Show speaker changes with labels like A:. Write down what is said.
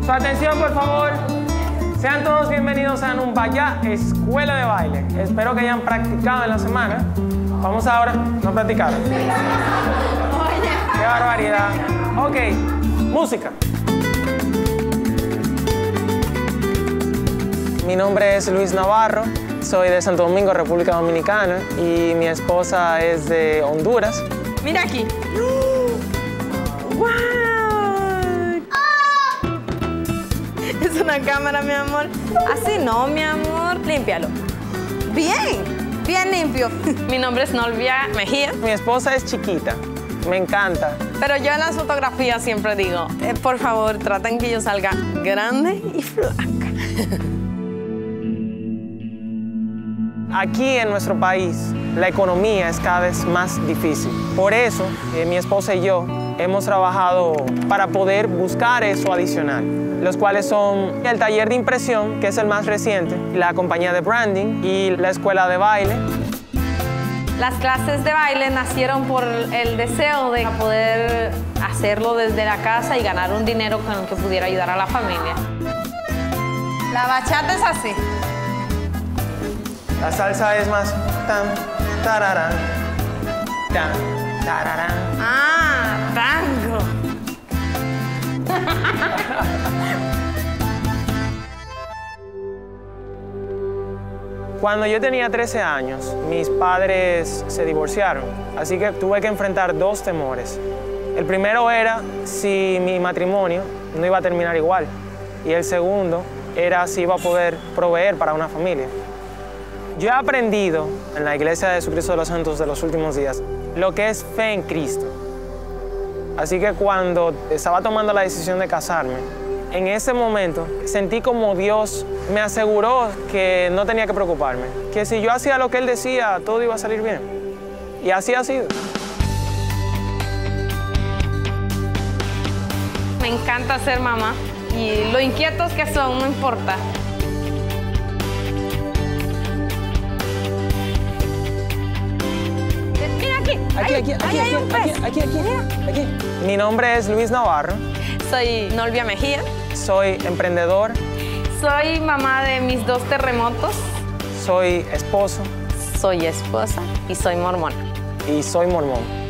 A: Su atención, por favor. Sean todos bienvenidos a Numbaya Escuela de Baile. Espero que hayan practicado en la semana. Vamos ahora, no practicaron. ¡Qué barbaridad! Ok, música. Mi nombre es Luis Navarro, soy de Santo Domingo, República Dominicana, y mi esposa es de Honduras.
B: Mira aquí. ¡Wow! Es una cámara, mi amor. Así no, mi amor. Límpialo. Bien, bien limpio. Mi nombre es Nolvia Mejía.
A: Mi esposa es chiquita, me encanta.
B: Pero yo en las fotografías siempre digo, por favor, traten que yo salga grande y flaca.
A: Aquí en nuestro país, la economía es cada vez más difícil. Por eso, mi esposa y yo hemos trabajado para poder buscar eso adicional, los cuales son el taller de impresión, que es el más reciente, la compañía de branding y la escuela de baile.
B: Las clases de baile nacieron por el deseo de poder hacerlo desde la casa y ganar un dinero con el que pudiera ayudar a la familia. La bachata es así.
A: La salsa es más tan, tararán, tan, tararán.
B: Ah, tango.
A: Cuando yo tenía 13 años, mis padres se divorciaron, así que tuve que enfrentar dos temores. El primero era si mi matrimonio no iba a terminar igual, y el segundo era si iba a poder proveer para una familia. Yo he aprendido en la Iglesia de Jesucristo de los Santos de los últimos días lo que es fe en Cristo. Así que cuando estaba tomando la decisión de casarme, en ese momento sentí como Dios me aseguró que no tenía que preocuparme, que si yo hacía lo que Él decía, todo iba a salir bien. Y así ha sido.
B: Me encanta ser mamá y lo inquietos que son, no importa.
A: Aquí. Mi nombre es Luis Navarro.
B: Soy Nolvia Mejía.
A: Soy emprendedor.
B: Soy mamá de mis 2 terremotos.
A: Soy esposo.
B: Soy esposa y soy mormona.
A: Y soy mormón.